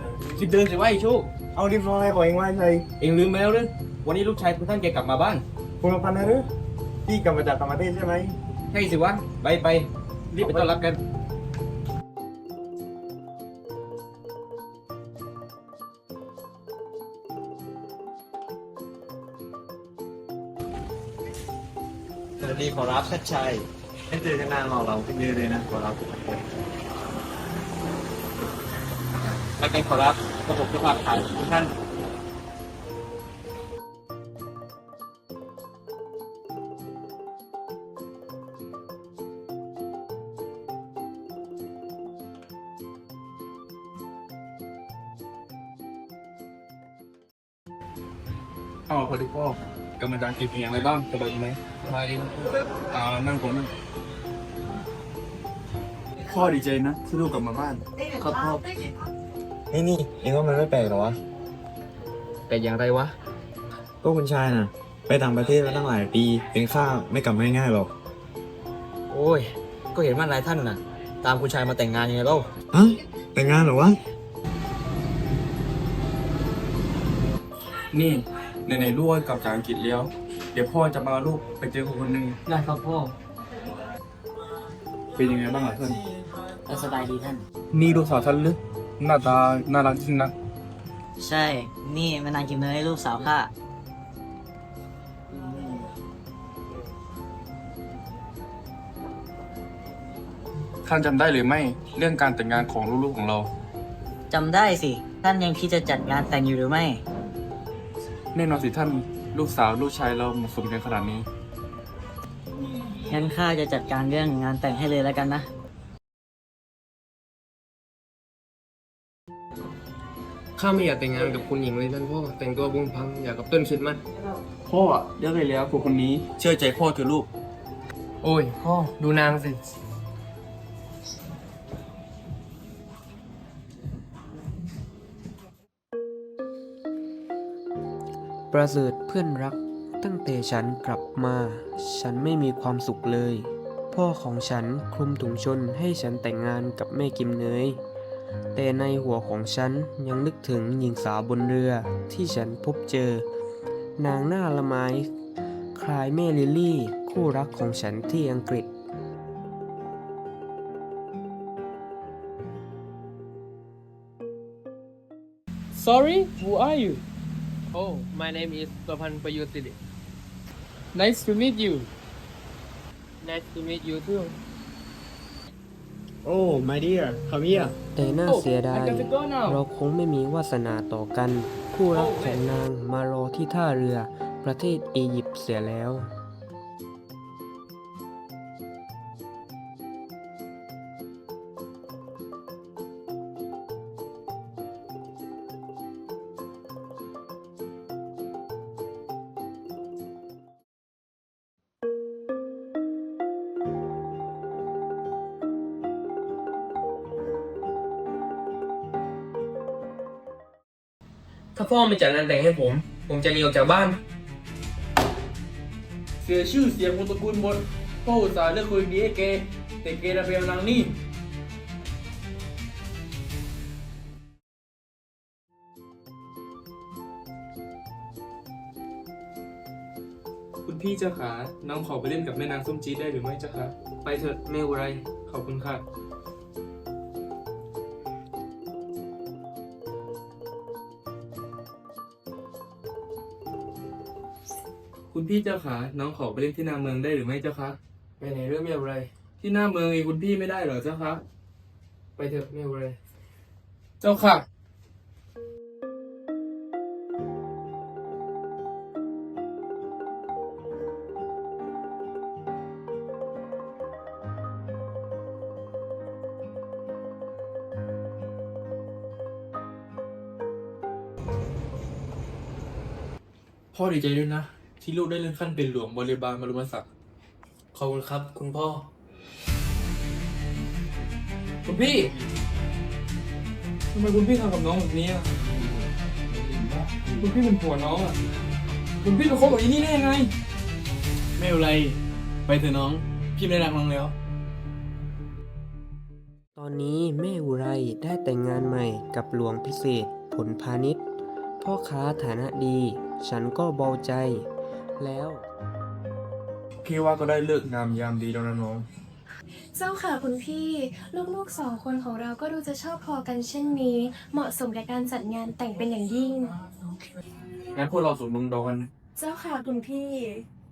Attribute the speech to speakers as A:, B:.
A: รีบเดินสิว่าไอ้โชค
B: เอารีบร้อยของเองไว้ใช่
A: เองลืมไปแล้วหรือวันนี้ลูกชายคุณท่านแกกลับมาบ้าน
B: คุณพันธ์นะหรือพี่กลับมาจากต่างประเทศใช่ไหม
A: ใช่สิวะไปรีบไปต้อนรับกัน
B: สวัสดีขอรับชัดชัยไม่เจอกันนานเราขึ้นเยอะเลยนะขอรับแล้วกันขอรับระบบจะฝากขายทุกท่าน
A: พอดีพ่อกำลังกินเพียงอะไรบ้างสบายดีไหมสบายดีนั่งผมนั่ง
B: พ่อดีใจนะที่ลูกกลับมาบ้าน
A: ครับพ่อ
B: นี่เองว่ามันไม่แปลกหรอวะ
A: แต่อย่างไรวะ
B: ก็คุณชายน่ะ ไปต่างประเทศมาตั้งหลายปีเป็นข้าไม่กลับง่ายๆหรอก
C: โอ้ย ก็เห็นว่านายท่านน่ะ ตามคุณชายมาแต่งงานยังไงเล่า
B: ฮะแต่งงานเหรอวะ
A: นี่ไหนๆลูกกลับจากอังกฤษแล้วเดี๋ยวพ่อจะมาลูกไปเจอคนหนึ่ง
C: ได้ครับพ่อ
A: เป็นยังไงบ้างล่ะท่าน
C: ก็สบายดีท่าน
A: นี่ลูกสาวท่านหรือหน้าตาน่ารักจริงนะ
C: ใช่ นี่แม่นางกิมเนยลูกสาวข้า
A: ท่านจำได้หรือไม่เรื่องการแต่งงานของลูกๆของเรา
C: จำได้สิ ท่านยังคิดจะจัดงานแต่งอยู่หรือไม่
A: แน่นอนสิท่านลูกสาวลูกชายเราเหมาะสมกันขนาดนี้
C: งั้นข้าจะจัดการเรื่องงานแต่งให้เลยแล้วกันนะ
D: ข้าไม่อยากแต่งงานกับคุณหญิงเลยท่านพ่อแต่งตัวบุ้งพังอยากกับต้นคริดมัน
A: พ่อเลือกไปแล้วคนนี้เชื่อใจพ่อเถอะลูก
D: โอ้ยพ่อดูนางสิ
E: ประเสริฐเพื่อนรัก ตั้งแต่ฉันกลับมา ฉันไม่มีความสุขเลย พ่อของฉันคลุมถุงชนให้ฉันแต่งงานกับแม่กิมเนย แต่ในหัวของฉันยังนึกถึงหญิงสาวบนเรือที่ฉันพบเจอ นางหน้าละไม้คล้ายแม่ลิลลี่คู่รักของฉันที่อังกฤษ
D: Sorry who are you Oh my name is ประพันธ์ประยุทธ์สิริ Nice to meet you Nice to meet you too
B: โอ้ my dear come here
E: แต่น่าเสียดาย
D: I got to go now
E: เราคงไม่มีวาสนาต่อกัน คู่รักของนางมารอที่ท่าเรือประเทศอียิปต์เสียแล้ว
D: ถ้าพ่อไม่จัดงานแต่งให้ผมจะหนีออกจากบ้าน เสียชื่อเสียงวงตระกูลหมดพ่ออุตส่าห์เลือกคนดีให้แกแต่แกดันไปเอานางนี่
A: คุณพี่เจ้าขาน้องขอไปเล่นกับแม่นางส้มจี๊ดได้หรือไม่เจ้าคะไปเถอะไม่เป็นไรขอบคุณค่ะคุณพี่เจ้าขาน้องขอไปเล่นที่หน้าเมืองได้หรือไม่เจ้าคะไปไหนเรื่องไม่เป็นไรที่หน้าเมืองเองคุณพี่ไม่ได้เหรอเจ้าคะไปเถอะไม่เป็นไรเจ้าค่ะพ่อดีใจด้วยนะ ที่ลูกได้เลื่อนขั้นเป็นหลวงบริบาลบรมศักดิ์ขอบคุณครับ คุณพ่อ คุณพี่ทำไมคุณพี่ทำกับน้องแบบนี้อ่ะคุณพี่เป็นผัวน้องอ่ะคุณพี่ไปคบกับอีนี่ได้ยังไงไม่เป็นไรไปเถอะน้องพี่ไม่รักน้องแล้ว
E: ตออนนี้แม่อุไรได้แต่งงานใหม่กับหลวงพิเศษผลพาณิชย์พ่อค้าฐานะดี ฉันก็เบาใจ แล้ว
A: พี่ว่าก็ได้เลิกงามยามดีแล้วนะน้อง
F: เจ้าค่ะคุณพี่ ลูกๆ2 คนของเราก็ดูจะชอบพอกันเช่นนี้ เหมาะสมกับการจัดงานแต่งเป็นอย่างยิ่ง
A: งั้นพวกเราสวมมงดอกัน
F: เจ้าค่ะคุณพี่